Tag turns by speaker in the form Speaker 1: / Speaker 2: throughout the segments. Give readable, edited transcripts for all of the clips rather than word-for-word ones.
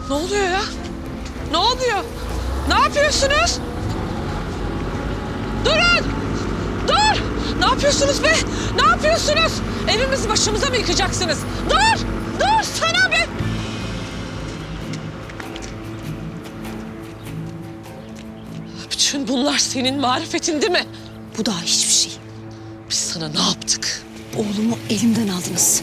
Speaker 1: Ne oluyor ya? Ne oluyor? Ne yapıyorsunuz? Durun! Dur! Ne yapıyorsunuz be? Ne yapıyorsunuz? Evimizi başımıza mı yıkacaksınız? Dur! Dur sana be! Bütün bunlar senin marifetin değil mi?
Speaker 2: Bu daha hiçbir şey.
Speaker 1: Biz sana ne yaptık?
Speaker 2: Oğlumu elimden aldınız.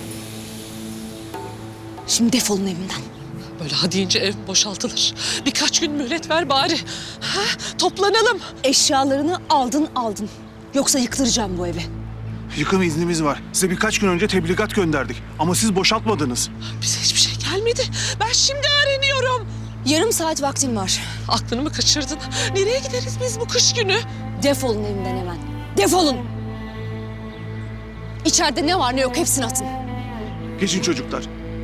Speaker 2: Şimdi defolun evimden.
Speaker 1: Böyle ha deyince ev boşaltılır. Birkaç gün mühlet ver bari. Ha, toplanalım.
Speaker 2: Eşyalarını aldın. Yoksa yıktıracağım bu evi.
Speaker 3: Yıkım iznimiz var. Size birkaç gün önce tebligat gönderdik. Ama siz boşaltmadınız.
Speaker 1: Bize hiçbir şey gelmedi. Ben şimdi öğreniyorum.
Speaker 2: Yarım saat vaktim var.
Speaker 1: Aklını mı kaçırdın? Nereye gideriz biz bu kış günü?
Speaker 2: Defolun evimden hemen. Defolun. İçeride ne var ne yok hepsini atın.
Speaker 3: Geçin çocuklar.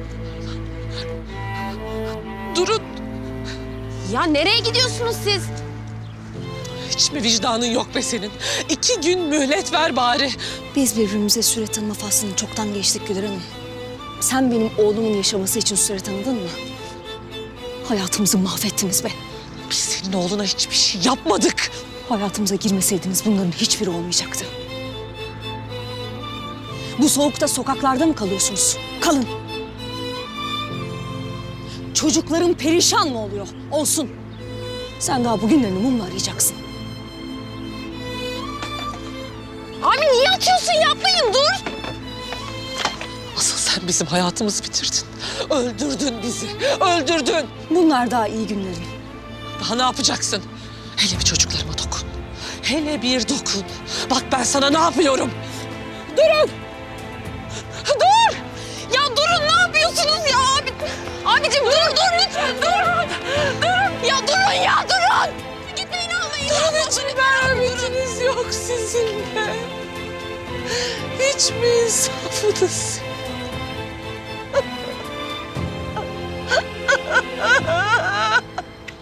Speaker 1: Durun.
Speaker 2: Ya nereye gidiyorsunuz siz?
Speaker 1: Hiç mi vicdanın yok be senin? 2 gün mühlet ver bari.
Speaker 2: Biz birbirimize süre tanıma faslını çoktan geçtik Güler Hanım. Sen benim oğlumun yaşaması için süre tanıdın mı? Hayatımızı mahvettiniz be.
Speaker 1: Biz senin oğluna hiçbir şey yapmadık.
Speaker 2: Hayatımıza girmeseydiniz bunların hiçbiri olmayacaktı. Bu soğukta sokaklarda mı kalıyorsunuz? Kalın. Çocukların perişan mı oluyor? Olsun. Sen daha bugünlerini mumla arayacaksın. Abi niye atıyorsun? Yapmayın, dur.
Speaker 1: Asıl sen bizim hayatımızı bitirdin. Öldürdün bizi. Öldürdün.
Speaker 2: Bunlar daha iyi günlerin.
Speaker 1: Daha ne yapacaksın? Hele bir çocuklarıma dokun. Hele bir dokun. Bak ben sana ne yapıyorum. Durun. Dur. Ya durun, ne yapıyorsunuz ya abi? Abicim dur lütfen dur. Durun. Ya durun ya durun. Gitmeyin almayın. Durun, hiç merhametiniz yok sizin de. Hiç mi insafınız yok?